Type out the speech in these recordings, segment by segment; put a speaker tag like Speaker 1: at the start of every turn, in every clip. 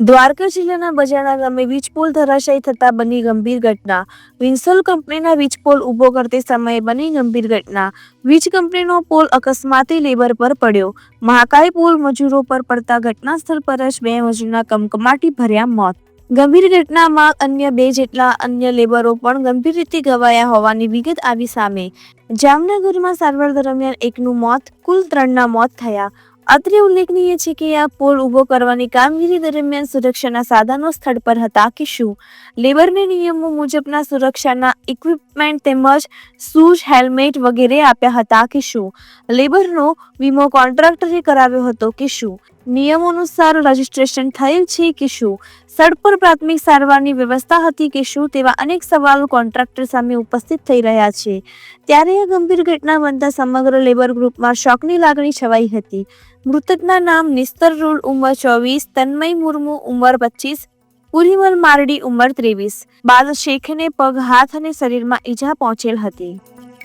Speaker 1: દ્વારકા જિલ્લાના બજાણા ગામે વીજ પોલ ધરાશાયી થતા બની ગંભીર ઘટના। વિન્સોલ કંપનીના વીજ પોલ ઊભો કરતી સમયે બની ગંભીર ઘટના। વીજ કંપનીનો પોલ અકસ્માતે લેબર પર પડ્યો। મહાકાય પોલ મજૂરો પર પડતા ઘટના સ્થળ પર જ બે મજૂરના કમકમાટી ભર્યા મોત। ગંભીર ઘટનામાં અન્ય બે જેટલા અન્ય લેબરો પણ ગંભીર રીતે ઘવાયા હોવાની વિગત આવી સામે। જામનગરમાં સારવાર દરમિયાન એકનું મોત, કુલ 3ના મોત થયા। અત્રે ઉલ્લેખનીય છે કે આ પોલ ઊભો કરવાની કામગીરી દરમિયાન સુરક્ષાના સાધનો સ્થળ પર હતા કે શું? લેબરને નિયમો મુજબના સુરક્ષાના ઇક્વિપમેન્ટ તેમજ શૂઝ, હેલ્મેટ વગેરે આપ્યા હતા કે શું? લેબરનો વીમો કોન્ટ્રાક્ટરે કરાવ્યો હતો કે શું? નિયમો અનુસાર રજીસ્ટ્રેશન થયેલ છે કે શું? સ્થળ પર પ્રાથમિક સારવારની વ્યવસ્થા હતી કે શું? તેવા અનેક સવાલો કોન્ટ્રાક્ટર સામે ઉપસ્થિત થઈ રહ્યા છે। ત્યારે આ ગંભીર ઘટના બનતા સમગ્ર લેબર ગ્રુપમાં શોકની લાગણી છવાઈ હતી। મૃતકના નામ નિસ્તર રૂલ ઉંમર 24, તન્મય મુર્મુ ઉંમર 25, પુરીમલ મારડી ઉંમર 23। બાદ શેખને પગ, હાથ અને શરીરમાં ઈજા પહોંચેલ હતી।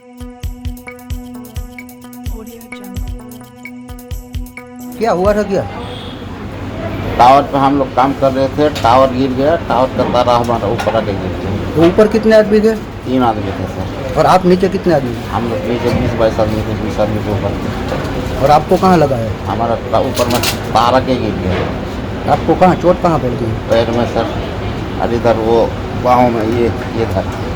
Speaker 2: क्या हुआ था क्या?
Speaker 3: टावर पे हम लोग काम कर रहे थे, टावर गिर गया, टावर का तारा हमारा ऊपर आके गिर गया।
Speaker 2: तो ऊपर कितने आदमी थे
Speaker 3: 3 आदमी थे सर।
Speaker 2: और आप नीचे कितने आदमी थे?
Speaker 3: हम लोग नीचे 20-22 आदमी थे, 20 आदमी के ऊपर थे।
Speaker 2: और आपको कहाँ लगा है?
Speaker 3: हमारा ऊपर में तार आके गिर गया,
Speaker 2: आपको कहाँ चोट कहाँ पड़ गई?
Speaker 3: पैर में सर, और इधर वो बाहों में ये था।